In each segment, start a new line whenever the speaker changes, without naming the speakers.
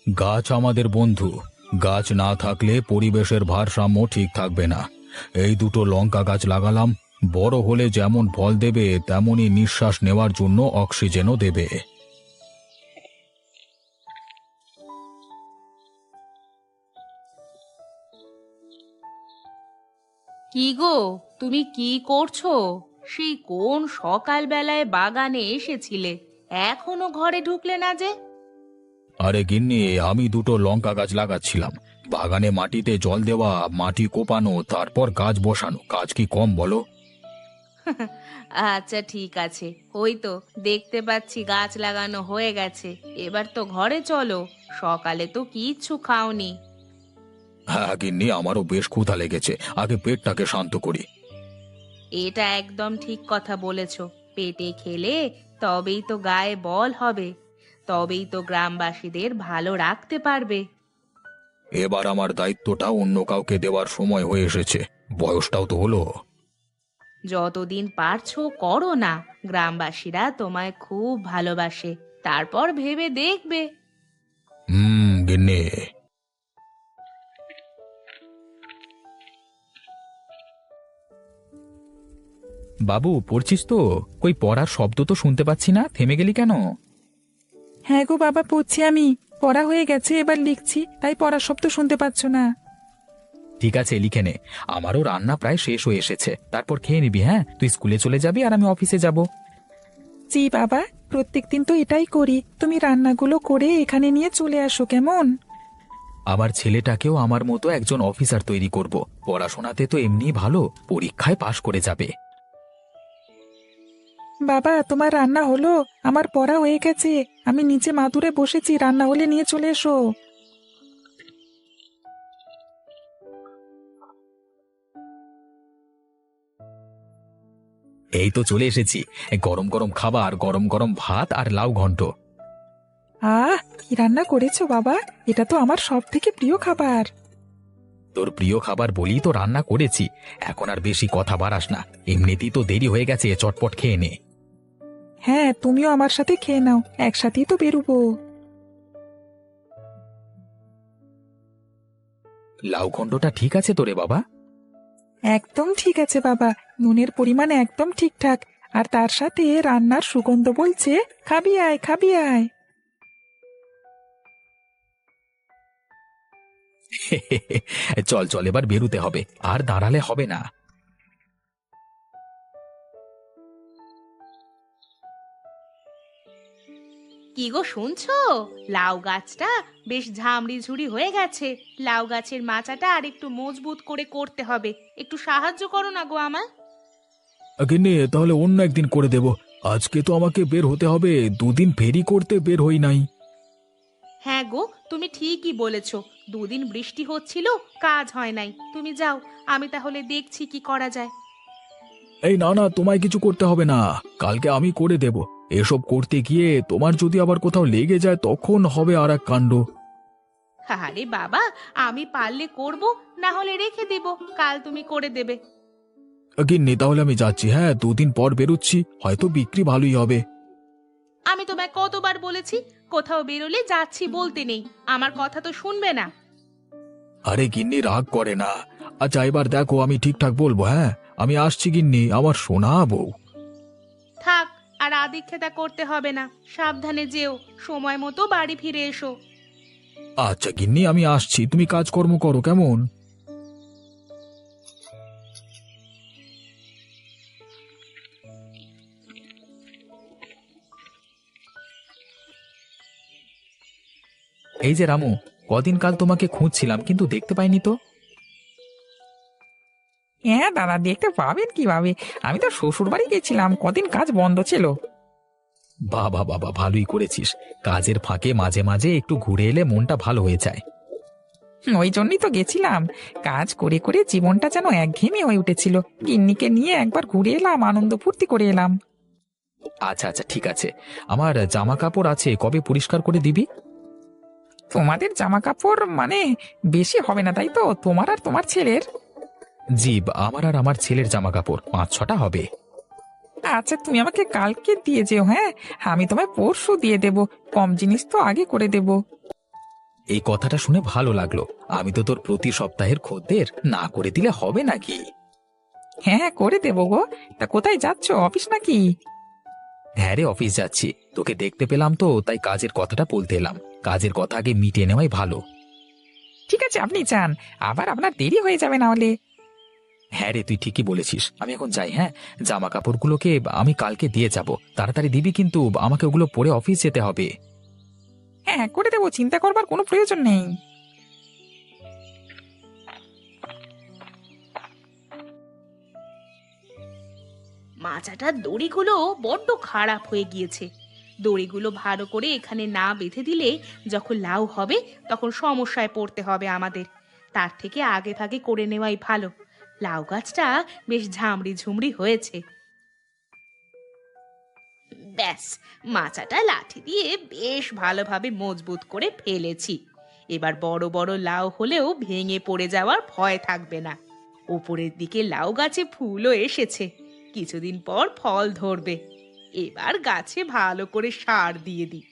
গাছ আমাদের বন্ধু। গাছ না থাকলে পরিবেশের ভারসাম্য ঠিক থাকবে না। এই দুটো লঙ্কা গাছ লাগালাম, বড় হলে যেমন ফল দেবে তেমনি নিঃশ্বাস নেওয়ার জন্য অক্সিজেনও দেবে।
কি গো, তুমি কি করছো? সেই কোন সকালবেলায় বাগানে এসেছিলে, এখনো ঘরে ঢুকলে না যে?
আরে গিন্নি, আমি দুটো লঙ্কা গাছ লাগাচ্ছিলাম। বাগানে মাটিতে জল দেওয়া, মাটি কোপানো, তারপর গাছ বসানো, কাজ কি কম বলো?
আচ্ছা ঠিক আছে, ওই তো দেখতে পাচ্ছি গাছ লাগানো হয়ে গেছে। এবার তো ঘরে চলো, সকালে তো কিচ্ছু খাওনি।
হ্যাঁ গিন্নি, আমারও বেশ ক্ষুধা লেগেছে, আগে পেটটাকে শান্ত করি।
এটা একদম ঠিক কথা বলেছো। পেটে খেলে তবেই তো গায়ে বল হবে, তবেই তো গ্রামবাসীদের ভালো রাখতে পারবে।
এবার আমার দায়িত্বটা অন্য কাউকে দেওয়ার সময় হয়ে এসেছে, বয়সটাও তো হলো।
যতদিন পারছো করো না, গ্রামবাসীরা তোমায় খুব ভালোবাসে। তারপর ভেবে দেখবে।
গিন্নি। বাবু, পড়ছিস তো? কই পড়ার শব্দ তো শুনতে পাচ্ছি না, থেমে গেলি কেন?
হ্যাঁ গো বাবা, পড়ছি আমি। পড়া হয়ে গেছে, এবার লিখছি, তাই পড়ার শব্দ শুনতে পাচ্ছ না।
ঠিক আছে, লিখে নে। আমারও রান্না প্রায় শেষ হয়ে এসেছে, তারপর খেয়ে নিবি। হ্যাঁ, তুই স্কুলে চলে যাবি আর আমি অফিসে যাব।
জি বাবা, প্রত্যেকদিন তো এটাই করি। তুমি রান্নাগুলো করে এখানে নিয়ে চলে আসো, কেমন?
আমার ছেলেটাকেও আমার মতো একজন অফিসার তৈরি করব। পড়াশোনাতে তো এমনি ভালো, পরীক্ষায় পাশ করে যাবে।
বাবা, তোমার রান্না হলো? আমার পড়া হয়ে গেছে। আমি নিচে মাদুরে বসেছি, রান্না হলে নিয়ে চলে এসো।
এই তো চলে এসেছি। গরম গরম খাবার, গরম গরম ভাত আর লাউ ঘন্ট।
কি রান্না করেছো বাবা? এটা তো আমার সব থেকে প্রিয় খাবার।
তোর প্রিয় খাবার বলি তো রান্না করেছি। এখন আর বেশি কথা বাড়াস না, এমনিতেই তো দেরি হয়ে গেছে, চটপট খেয়ে নে।
হ্যাঁ, তুমিও আমার সাথে খেয়ে নাও, একসাথেই তো বেরোবো।
লাউ ঘন্টটা ঠিক আছে তো রে বাবা?
একদম ঠিক আছে বাবা, নুনের পরিমাণ একদম ঠিকঠাক। আর তার সাথে রান্নার সুগন্ধ বলছে, খাবি আয়, খাবি আয়।
চল চল, এবার বেরুতে হবে, আর দাঁড়ালে হবে না।
কি গো, শুনছো? লাউ গাছটা বেশ ঝামড়ি ঝুড়ি হয়ে গেছে। লাউ গাছের মাচাটা আর একটু মজবুত করে করতে হবে। একটু সাহায্য করো না গো আমায়।
গিন্নি, তাহলে অন্য একদিন করে দেব। আজকে তো আমাকে বের হতে হবে, দুদিন ফেরি করতে বের হই নাই।
হ্যাঁ গো, তুমি ঠিকই বলেছো। দুদিন বৃষ্টি হচ্ছিল, কাজ হয় নাই। তুমি যাও, আমি তাহলে দেখছি কি করা যায়।
এই না না, তোমায় কিছু করতে হবে না, কালকে আমি করে দেব। এসব করতে গিয়ে তোমার যদি আবার কোথাও লেগে যায় তখন হবে আর এক কাণ্ড।
আরে বাবা, আমি পারলে করব, না হলে রেখে দেব, কাল তুমি করে দেবে।
গিন্নি, তাহলে আমি যাচ্ছি। হ্যাঁ, দুদিন পর বেরোচ্ছি, হয়তো বিক্রি ভালোই হবে।
আমি তোমায় কতবার বলেছি, কোথাও বেরোলে যাচ্ছি বলতে নেই। আমার কথা তো শুনবে না।
আরে গিন্নি, রাগ করে না। আচ্ছা, এবার দেখো আমি ঠিকঠাক বলবো। হ্যাঁ, আমি আসছি গিন্নি, আমার সোনা বউ।
থাক, আর আদিক্ষেতা করতে হবে না। সাবধানে যেও, সময় মতো বাড়ি ফিরে এসো।
আচ্ছা গিন্নি, আমি আসছি, তুমি কাজকর্ম করো, কেমন? এই যে রামু, কদিন কাল তোমাকে খুঁজছিলাম কিন্তু দেখতে পাইনি তো।
হ্যাঁ দাদা, দেখতে পাবেন কিভাবে? আমি তো শ্বশুর বাড়ি গেছিলাম, কদিন কাজ বন্ধ ছিল।
বাবা বাবা, ভালোই করেছিস। কাজের ফাঁকে মাঝে মাঝে একটু ঘুরে এলে মনটা ভালো হয়ে যায়।
ওই জন্যই তো গেছিলাম। কাজ করে করে জীবনটা যেন একঘেয়েমি হয়ে উঠেছিল। গিন্নিকে নিয়ে একবার ঘুরে এলাম, আনন্দ ফুর্তি করে এলাম।
আচ্ছা আচ্ছা, ঠিক আছে। আমার জামা কাপড় আছে, কবে পরিষ্কার করে দিবি?
তোমাদের জামা কাপড় মানে বেশি হবে না, তাই তো? তোমার আর তোমার ছেলের?
জি, আমার আর আমার ছেলের জামা কাপড় 5-6টা হবে।
আচ্ছা, তুমি আমাকে কালকে দিয়ে যেও। হ্যাঁ, আমি তোমায় পরশু দিয়ে দেব। কম জিনিস তো আগে করে দেব।
এই কথাটা শুনে ভালো লাগলো। আমি তো তোর প্রতি সপ্তাহের খদ্দের, না করে দিলে হবে নাকি?
হ্যাঁ হ্যাঁ, করে দেবো গো। তা কোথায় যাচ্ছ, অফিস নাকি?
হ্যাঁ রে, অফিস যাচ্ছি। তোকে দেখতে পেলাম তো, তাই কাজের কথাটা বলতে এলাম। কাজের কথা আগে মিটিয়ে নেওয়াই ভালো।
ঠিক আছে, আপনি যান, আবার আপনার দেরি হয়ে যাবে না হলে।
হ্যাঁ রে, তুই ঠিকই বলেছিস। আমি এখন যাই। হ্যাঁ, জামা কাপড়গুলোকে আমি কালকে দিয়ে যাব। তাড়াতাড়ি দিবি কিন্তু, আমাকে ওগুলো পরে অফিস যেতে হবে।
হ্যাঁ হ্যাঁ, করে দেবো, চিন্তা করবার কোনো প্রয়োজন নেই।
মাচাটার দড়িগুলো বড্ড খারাপ হয়ে গিয়েছে। দড়িগুলো ভালো করে এখানে না বেঁধে দিলে যখন লাউ হবে তখন সমস্যায় পড়তে হবে আমাদের। তার থেকে আগে ভাগে করে নেওয়াই ভালো। লাউ গাছটা বেশ ঝামড়ি ঝুমড়ি হয়েছে। ব্যাস, মাচাটা লাঠি দিয়ে বেশ ভালোভাবে মজবুত করে ফেলেছি। এবার বড় বড় লাউ হলেও ভেঙে পড়ে যাওয়ার ভয় থাকবে না। উপরের দিকে লাউ গাছে ফুলও এসেছে, কিছুদিন পর ফল ধরবে। এবার গাছে ভালো করে সার দিয়ে দিই।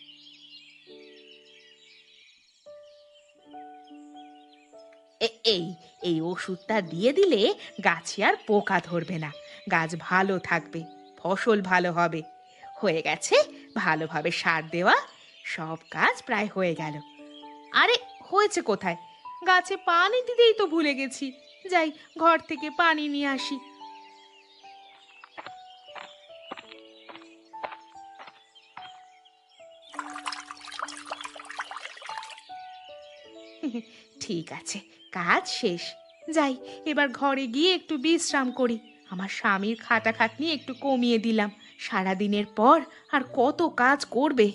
এই এই ওষুধটা দিয়ে দিলে গাছে আর পোকা ধরবে না, গাছ ভালো থাকবে, ফসল ভালো হবে। হয়ে গেছে, ভালোভাবে সার দেওয়া, সব কাজ প্রায় হয়ে গেল। আরে, হয়েছে কোথায়? গাছে পানি দিতেই তো ভুলে গেছি। যাই, ঘর থেকে পানি নিয়ে আসি। ঠিক আছে, কাজ শেষ। যাই, এবার ঘরে গিয়ে একটু বিশ্রাম করি। আমার স্বামীর খাটাখাটনি একটু কমিয়ে দিলাম। সারাদিনের পর আর কত কাজ করবে।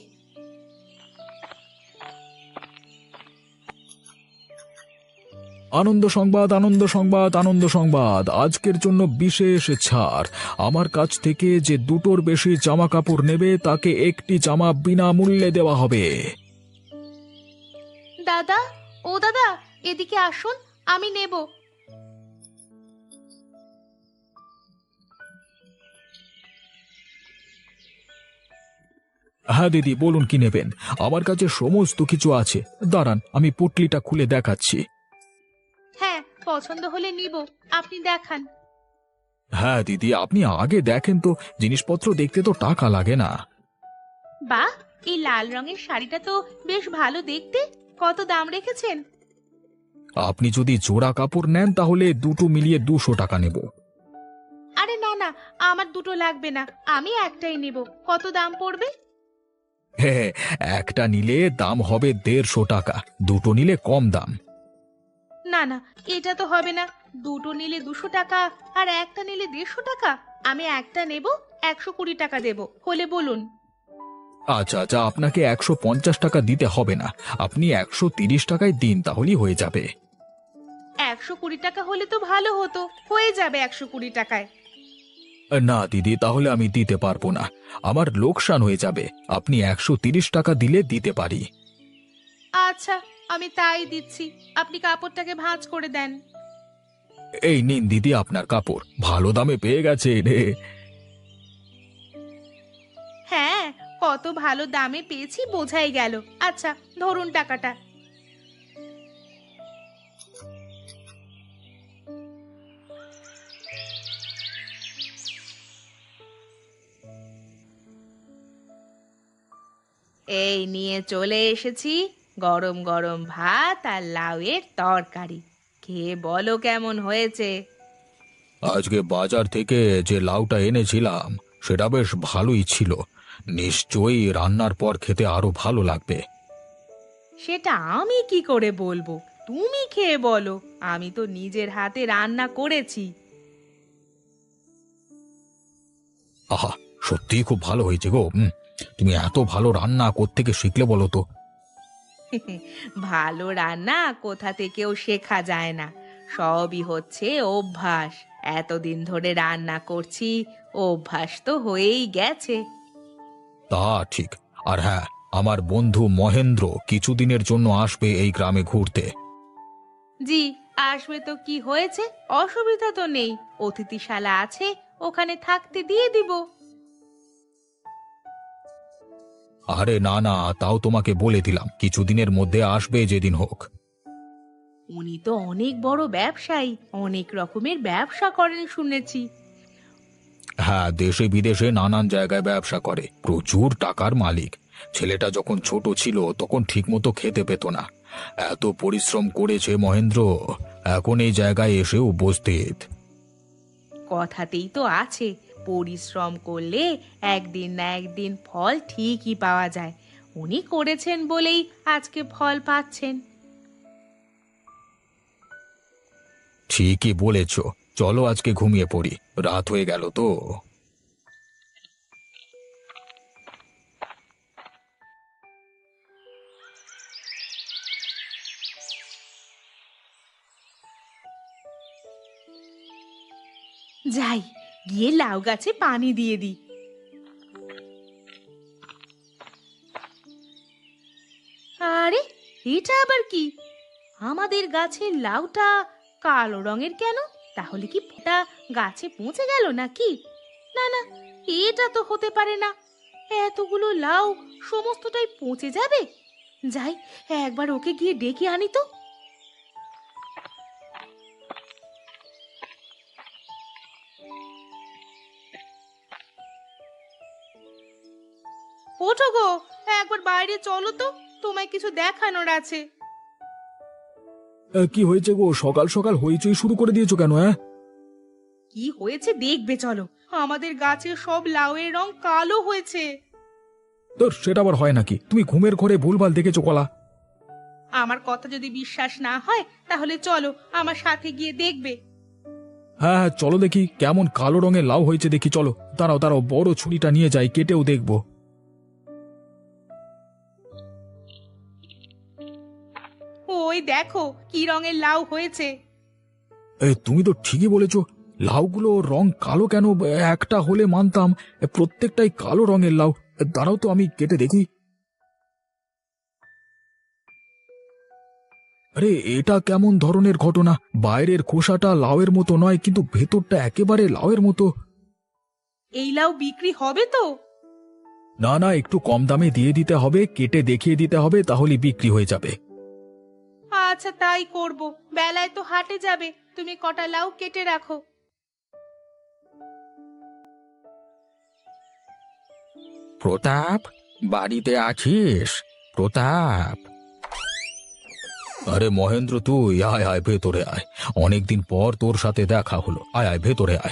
আনন্দ সংবাদ, আনন্দ সংবাদ, আনন্দ সংবাদ! আজকের জন্য বিশেষ ছাড়। আমার কাছ থেকে যে দুটোর বেশি জামা কাপড় নেবে তাকে একটি জামা বিনামূল্যে দেওয়া হবে।
দাদা, ও দাদা, এদিকে আসুন, আমি নেব।
হ্যাঁ দিদি, বলুন কি নেবেন। আমার কাছে সমস্ত কিছু আছে। দাঁড়ান, আমি পুটলিটা খুলে দেখাচ্ছি।
হ্যাঁ, পছন্দ হলে নিব, আপনি দেখান।
হ্যাঁ দিদি, আপনি আগে দেখেন তো, জিনিসপত্র দেখতে তো টাকা লাগে না।
বাহ, এই লাল রঙের শাড়িটা তো বেশ ভালো দেখতে। কত দাম রেখেছেন?
আপনি যদি জোড়া কাপড় নেন তাহলে দুটো মিলিয়ে 200 টাকা নেব।
আরে না না, আমার দুটো লাগবে না, আমি একটাই নেব। কত দাম পড়বে?
হ্যাঁ, একটা নিলে দাম হবে 150 টাকা, দুটো নিলে কম দাম।
না না, এটা তো হবে না। দুটো নিলে 200 টাকা, আর একটা নিলে 150 টাকা। আমি একটা নেব, 120 টাকা দেব, হলে বলুন।
আচ্ছা আচ্ছা, আপনাকে 150 টাকা দিতে হবে না, আপনি 130 টাকায় দিন, তাহলেই হয়ে যাবে।
120 টাকা হলে তো ভালো হতো, হয়ে যাবে 120 টাকায়।
না দিদি, তাহলে আমি দিতে পারবো না, আমার লোকসান হয়ে যাবে। আপনি 130 টাকা দিলে দিতে পারি।
আচ্ছা, আমি তাই দিচ্ছি। আপনি কাপড়টাকে ভাঁজ করে দেন।
এই নিন দিদি আপনার কাপড়, ভালো দামে পেয়ে গেছে রে।
হ্যাঁ, কত ভালো দামে পেয়েছি বোঝাই গেল। আচ্ছা, ধরুন টাকাটা। এই নিয়ে চলে এসেছি গরম গরম ভাত আর লাউয়ের তরকারি। খেয়ে বলো কেমন হয়েছে।
আজকে বাজার থেকে যে লাউটা এনেছিলাম সেটা বেশ ভালোই ছিল। নিশ্চয়ই রান্নার পর খেতে আরো ভালো লাগবে।
সেটা আমি কি করে বলবো, তুমি খেয়ে বলো। আমি তো নিজের হাতে রান্না করেছি।
আহা, সত্যিই খুব ভালো হয়েছে গো। তুমি এত ভালো রান্না কোত্থেকে শিখলে বলো তো?
ভালো রান্না কোথা থেকেও শেখা যায় না, সবই হচ্ছে অভ্যাস। এতদিন ধরে রান্না করছি, অভ্যাস তো হয়েই গেছে।
তা ঠিক। আর হ্যাঁ, আমার বন্ধু মহেন্দ্র কিছুদিনের জন্য আসবে এই গ্রামে ঘুরতে।
জি, আসবে তো কি হয়েছে, অসুবিধা তো নেই। অতিথিশালা আছে, ওখানে থাকতে দিয়ে দিব।
আরে না না, তাও তোমাকে বলে দিলাম কিছুদিনের মধ্যে আসবে যেদিন হোক।
উনি তো অনেক বড় ব্যবসায়ী, অনেক রকমের ব্যবসা করেন শুনেছি।
হ্যাঁ, দেশে বিদেশে নানান জায়গায় ব্যবসা করে, প্রচুর টাকার মালিক। ছেলেটা যখন ছোট ছিল তখন ঠিকমতো খেতে পেত না, এত পরিশ্রম করেছে মহেন্দ্র, এখন এই জায়গায় এসে উপস্থিত।
কথাতেই তো আছে, পরিশ্রম করলে একদিন না একদিন ফল ঠিকই পাওয়া যায়। উনি করেছেন বলেই আজকে ফল পাচ্ছেন।
ঠিকই বলেছ, চলো আজকে ঘুমিয়ে পড়ি, রাত হয়ে গেল তো।
যাই, গিয়ে লাউ গাছে পানি দিয়ে দিই। আরে, এটা আবার কি? আমাদের গাছের লাউটা কালো রঙের কেন? তাহলে কি ফোঁটা গাছে পৌঁছে গেল নাকি? না না, এটা তো হতে পারে না। এতগুলো লাউ সমস্তটাই পচে যাবে। যাই, একবার ওকে গিয়ে ডেকে আনি তো। ওঠো গো, একবার বাইরে চলো তো, তোমায় কিছু দেখানোর আছে।
কি হয়েছে গো, সকাল সকাল হইচই শুরু করে দিয়েছো কেন?
কি হয়েছে দেখবে চলো। আমাদের গাছের সব লাউয়ের রং কালো হয়েছে।
তোর সেটা আবার হয় নাকি? তুমি ঘুমের ঘরে ভুলভাল দেখেছো কলা।
আমার কথা যদি বিশ্বাস না হয় তাহলে চলো আমার সাথে গিয়ে দেখবে।
হ্যাঁ হ্যাঁ, চলো দেখি কেমন কালো রঙের লাউ হয়েছে দেখি, চলো। দাঁড়াও দাঁড়াও, বড় ছুরিটা নিয়ে যাই, কেটেও দেখবো।
ওই দেখো কি রঙের লাউ হয়েছে।
তুমি তো ঠিকই বলেছো, লাউগুলো রং কালো কেন? একটা হলে মানতাম, প্রত্যেকটাই কালো রঙের লাউ। দাঁড়াও তো, আমি কেটে দেখি। আরে, এটা কেমন ধরনের ঘটনা? বাইরের খোসাটা লাউয়ের মতো নয়, কিন্তু ভেতরটা একেবারে লাউয়ের মতো।
এই লাউ বিক্রি হবে তো?
না না, একটু কম দামে দিয়ে দিতে হবে, কেটে দেখিয়ে দিতে হবে, তাহলে বিক্রি হয়ে যাবে।
আচ্ছা তাই করব। বেলায় তো হাটে যাবে, তুমি কটা লাউ কেটে রাখো।
প্রতাপ, বাড়িতে আছিস? প্রতাপ। আরে মহেন্দ্র, তুই আয় আয়, ভেতরে আয়, অনেকদিন পর তোর সাথে দেখা হলো, আয় আয়, ভেতরে আয়।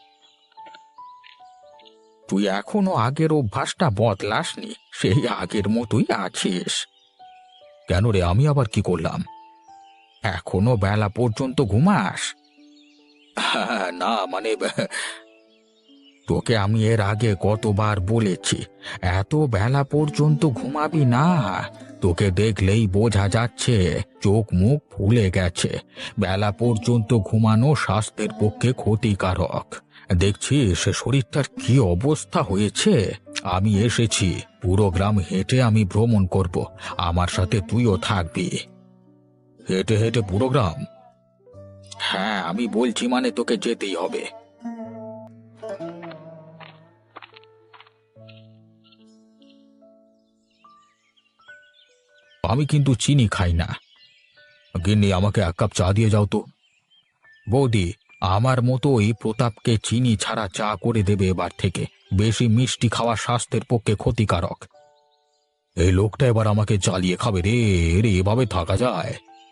তুই এখনো আগের অভ্যাসটা বদলাসনি, সেই আগের মতোই আছিস। কেন রে, আমি আবার কি করলাম? এখনো বেলা পর্যন্ত ঘুমাস? হ্যাঁ, না মানে তোকে আমি এর আগে কতবার বলেছি এত বেলা পর্যন্ত ঘুমাবি না। তোকে দেখলেই বোঝা যাচ্ছে চোখ মুখ ফুলে গেছে। বেলা পর্যন্ত ঘুমানো স্বাস্থ্যের পক্ষে ক্ষতিকারক। দেখছিস শরীরটার কি অবস্থা হয়েছে। আমি এসেছি, পুরো গ্রাম হেঁটে আমি ভ্রমণ করব, আমার সাথে তুইও থাকবি। হেঁটে হেঁটে পুরো গ্রাম? হ্যাঁ, আমি বলছি মানে তোকে যেতেই হবে। আমি কিন্তু চিনি খাই না। গিন্নি, আমাকে এক কাপ চা দিয়ে যাও তো। বৌদি, আমার মতোই প্রতাপকে চিনি ছাড়া চা করে দেবে এবার থেকে। বেশি মিষ্টি খাওয়া স্বাস্থ্যের পক্ষে ক্ষতিকারক। এই লোকটা এবার আমাকে জ্বালিয়ে খাবে রে। রে, এভাবে থাকা যায়?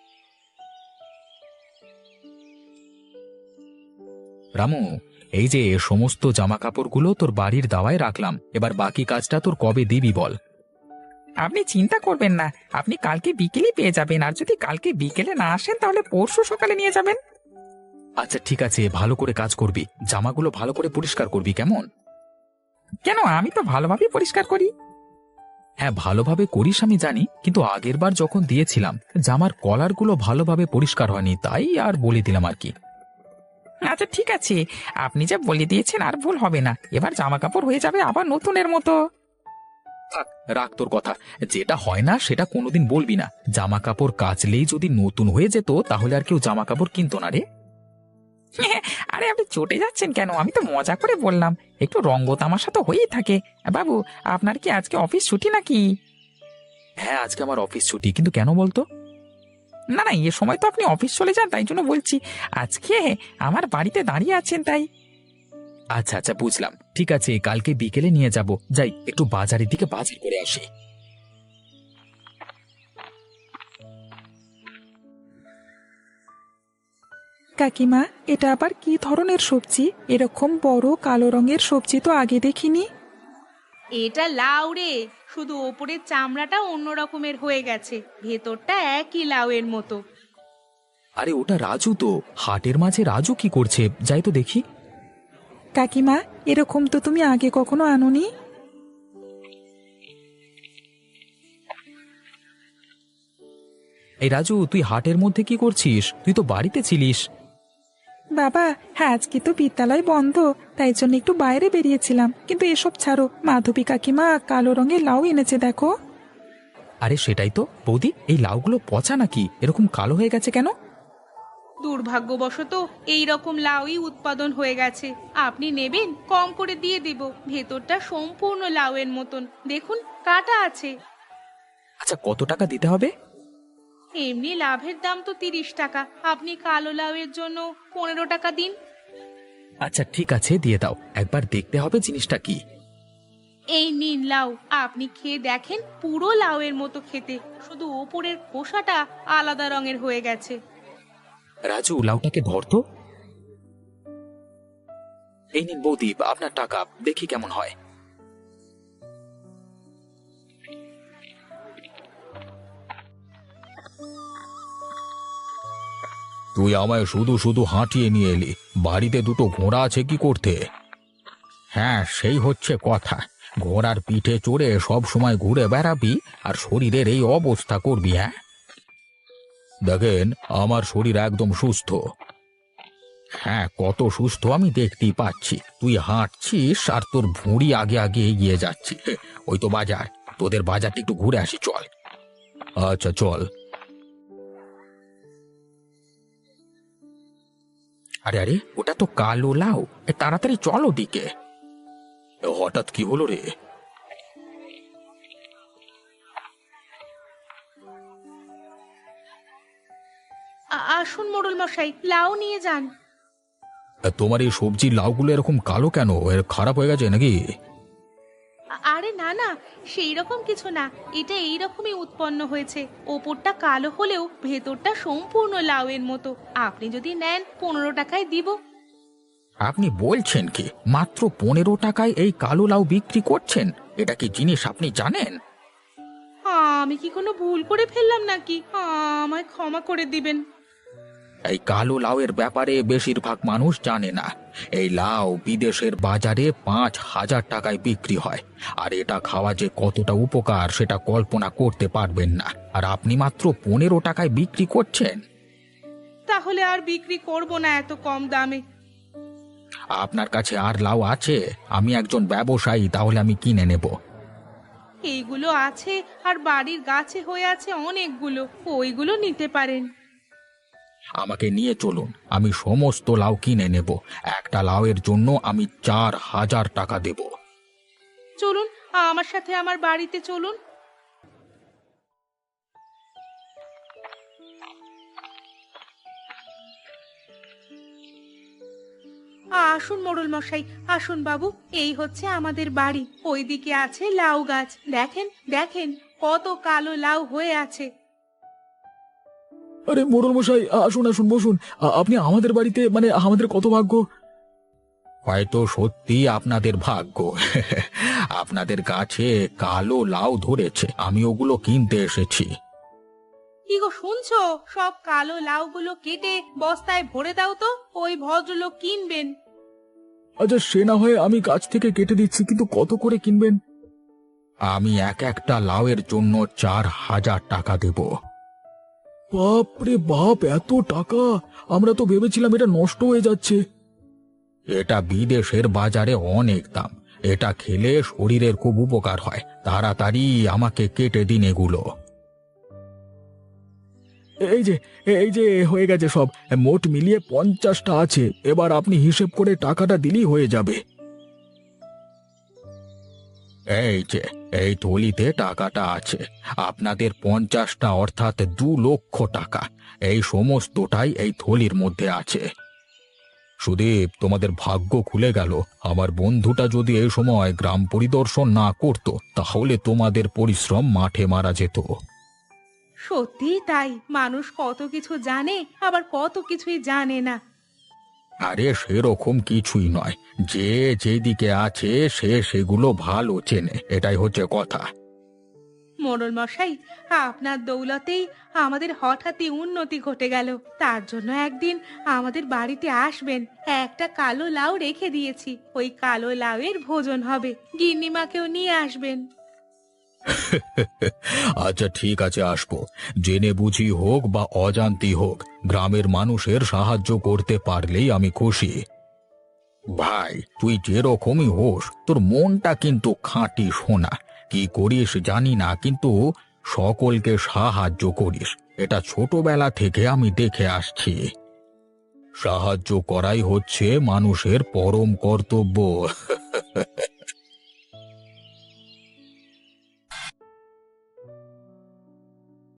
রামু, এই যে সমস্ত জামা কাপড়গুলো তোর বাড়ির দাওয়ায় রাখলাম, এবার বাকি কাজটা তোর কবে দিবি বল?
আপনি চিন্তা করবেন না, আপনি কালকে বিকেলেই পেয়ে যাবেন। আর যদি কালকে বিকেলে না আসেন তাহলে পরশু সকালে নিয়ে যাবেন।
আচ্ছা ঠিক আছে, ভালো করে কাজ করবি, জামাগুলো ভালো করে পরিষ্কার করবি, কেমন?
কেন, আমি তো ভালোভাবেই পরিষ্কার করি।
হ্যাঁ, ভালোভাবে করিস আমি জানি, কিন্তু আগের বার যখন দিয়েছিলাম জামার কলারগুলো ভালোভাবে পরিষ্কার হয়নি, তাই আর বলে দিলাম আর কি।
আচ্ছা ঠিক আছে, আপনি যা বলে দিয়েছেন আর ভুল হবে না। এবার জামা কাপড় হয়ে যাবে আবার নতুনের মতো।
থাক, রাখ তোর কথা, যেটা হয় না সেটা কোনোদিন বলবি না। জামা কাপড় কাচলেই যদি নতুন হয়ে যেত তাহলে আর কেউ জামা কাপড় কিনতো না রে।
আরে আপনি চটে যাচ্ছেন কেন? আমি তো মজা করে বললাম, একটু রঙ্গ তামাশা তো হয়েই থাকে। বাবু, আপনার কি আজকে অফিস ছুটি নাকি?
হ্যাঁ, আজকে আমার অফিস ছুটি, কিন্তু কেন বলতো?
না না, এ সময় তো আপনি অফিস চলে যান, তাই জন্য বলছি। আজকে আমার বাড়িতে দাঁড়িয়ে আছেন তাই।
আচ্ছা আচ্ছা, বুঝলাম। ঠিক আছে, কালকে বিকেলে নিয়ে যাব। যাই, একটু বাজারের দিকে বাজার করে আসি।
কাকিমা, এটা আবার কি ধরনের সবজি? এরকম বড় কালো রঙের সবজি তো আগে দেখিনি।
এটা লাউ রে, শুধু ওপরের চামড়াটা অন্য রকমের হয়ে গেছে, ভেতরটা একই লাউয়ের মতো।
আরে ওটা রাজু তো, হাটের মাঝে রাজু কি করছে? যাই তো দেখি।
কাকিমা, এরকম তো তুমি আগে কখনো আনোনি।
এই রাজু, তুই হাটের মধ্যে কি করছিস? তুই তো বাড়িতে ছিলিস।
বাবা, হ্যাঁ আজকে তো বিদ্যালয় বন্ধ, তাই জন্য একটু বাইরে বেরিয়েছিলাম। কিন্তু এসব ছাড়ো, মাধবী কাকিমা কালো রঙের লাউ এনেছে দেখো।
আরে সেটাই তো বৌদি, এই লাউগুলো পচা নাকি? এরকম কালো হয়ে গেছে কেন?
দুর্ভাগ্যবশত এই রকম লাউই উৎপাদন হয়ে গেছে। আপনি নেবেন? কম করে দিয়ে দেব। ভেতরটা সম্পূর্ণ লাউয়ের মতন, দেখুন কাটা আছে।
আচ্ছা, কত টাকা দিতে হবে?
এমনি লাভের দাম তো 30 টাকা, আপনি কালো লাউয়ের জন্য 15 টাকা দিন।
আচ্ছা ঠিক আছে, দিয়ে দাও। একবার দেখতে হবে জিনিসটা কি।
এই নিন লাউ, আপনি খেয়ে দেখেন, পুরো লাউয়ের মতো খেতে, শুধু ওপরের খোসাটা আলাদা রঙের হয়ে গেছে।
রাজু, লাউটাকে ধর তো। এই নিন বৌদি, আপনার টাকা। দেখি কেমন হয়।
তুই আমায় শুধু শুধু হাঁটিয়ে নিয়ে এলি, বাড়িতে দুটো ঘোড়া আছে কি করতে? হ্যাঁ, সেই হচ্ছে কথা। ঘোড়ার পিঠে চড়ে সব সময় ঘুরে বেড়াবি আর শরীরের এই অবস্থা করবি? হ্যাঁ, দেখেন আমার শরীর একদম সুস্থ। হ্যাঁ, কত সুস্থ আমি দেখতেই পাচ্ছি। তুই হাঁটছিস আর তোর ভুঁড়ি আগে আগে এগিয়ে যাচ্ছে। ওই তো বাজার, তোদের বাজারটা একটু ঘুরে আসি, চল। আচ্ছা চল।
আরে আরে, ওটা তো কালো লাউ। তাড়াতাড়ি চলো দিকে।
হঠাৎ কি হলো রে?
আসুন মোড়ল মশাই, লাউ নিয়ে যান।
তোমার এই সবজির লাউগুলো এরকম কালো কেন? এর খারাপ হয়ে গেছে নাকি?
আরে না না, সেই রকম কিছু না, এটা এই রকমই উৎপন্ন হয়েছে। ওপরটা কালো হলেও ভেতরটা সম্পূর্ণ লাউয়ের মতো। আপনি যদি নেন 15 টাকায় দিব।
আপনি বলছেন কি? মাত্র 15 টাকায় এই কালো লাউ বিক্রি করছেন? এটা কি জিনিস আপনি জানেন?
আমি কি কোনো ভুল করে ফেললাম নাকি? আমায় ক্ষমা করে দিবেন।
এই কালো লাউয়ের ব্যাপারে বেশিরভাগ মানুষ জানে না। এই লাউ বিদেশের বাজারে 5,000 টাকায় বিক্রি হয়। আর এটা খাওয়া যে কতটা উপকার সেটা কল্পনা করতে পারবেন না। আর আপনি মাত্র 15 টাকায় বিক্রি করছেন?
তাহলে আর বিক্রি করব না এত কম দামে।
আপনার কাছে আর লাউ আছে? আমি একজন ব্যবসায়ী, তাহলে আমি কিনে নেব।
এইগুলো আছে, আর বাড়ির গাছে হয়ে আছে অনেকগুলো, ওইগুলো নিতে পারেন।
আমাকে নিয়ে চলুন, আমি সমস্ত লাউ কিনে নেব। একটা লাউয়ের জন্য আমি 4,000 টাকা দেব।
চলুন, আমার সাথে আমার বাড়িতে চলুন। আসুন মোড়ল মশাই, আসুন বাবু, এই হচ্ছে আমাদের বাড়ি। ওইদিকে আছে লাউ গাছ, দেখেন দেখেন কত কালো লাউ হয়ে আছে।
আরে মোড়ল মশাই, আসুন আসুন, বসুন। আপনি আমাদের বাড়িতে, মানে আমাদের কত ভাগ্য।
হয়তো সত্যি আপনাদের ভাগ্য। আপনাদের গাছে কালো লাউ ধরেছে, আমি ওগুলো কিনতে এসেছি।
কি গো শুনছো? সব কালো লাউগুলো কেটে বস্তায় ভরে দাও তো, ওই ভদ্রলোক কিনবেন।
আচ্ছা, সে না হয় আমি গাছ থেকে কেটে দিচ্ছি, কিন্তু কত করে কিনবেন?
আমি এক একটা লাউয়ের জন্য 4,000 টাকা দেব।
বাপ রে বাপ, এত টাকা! আমরা তো ভেবেছিলাম এটা নষ্ট হয়ে যাচ্ছে।
এটা বিদেশের বাজারে অনেক দাম। এটা খেলে শরীরের খুব উপকার হয়। তাড়াতাড়ি আমাকে কেটে দিন এগুলো।
এই এই যে হয়ে গেছে সব, মোট মিলিয়ে 50টা আছে। এবার আপনি হিসেব করে টাকাটা দিলেই হয়ে যাবে। এই যে এই থলিতে টাকাটা আছে, আপনাদের 50টা অর্থাৎ 2 লক্ষ টাকা, এই সমস্তটাই এই থলির মধ্যে আছে। সুদীপ, তোমাদের ভাগ্য খুলে গেল। আমার বন্ধুটা যদি এই সময় গ্রাম পরিদর্শন না করত, তাহলে তোমাদের পরিশ্রম মাঠে মারা যেত।
সত্যিই তাই, মানুষ কত কিছু জানে আবার কত কিছুই জানে না।
আরে সেরকম কিছুই নয়, যে যেদিকে আছে সে সেগুলো ভালো চেনে, এটাই হচ্ছে কথা।
মোড়ল মশাই, আপনার দৌলতেই আমাদের হঠাৎই উন্নতি ঘটে গেল। তার জন্য একদিন আমাদের বাড়িতে আসবেন। একটা কালো লাউ রেখে দিয়েছি, ওই কালো লাউয়ের ভোজন হবে। গিন্নিমাকেও নিয়ে আসবেন।
আচ্ছা ঠিক আছে, আসবো। জেনে বুঝি হোক বা অজান্তি হোক, গ্রামের মানুষের সাহায্য করতে পারলেই আমি খুশি। ভাই, তুই যেরকমই হোস, তোর মনটা কিন্তু খাঁটি সোনা। কি করিস জানি না, কিন্তু সকলকে সাহায্য করিস, এটা ছোটবেলা থেকে আমি দেখে আসছি। সাহায্য করাই হচ্ছে মানুষের পরম কর্তব্য।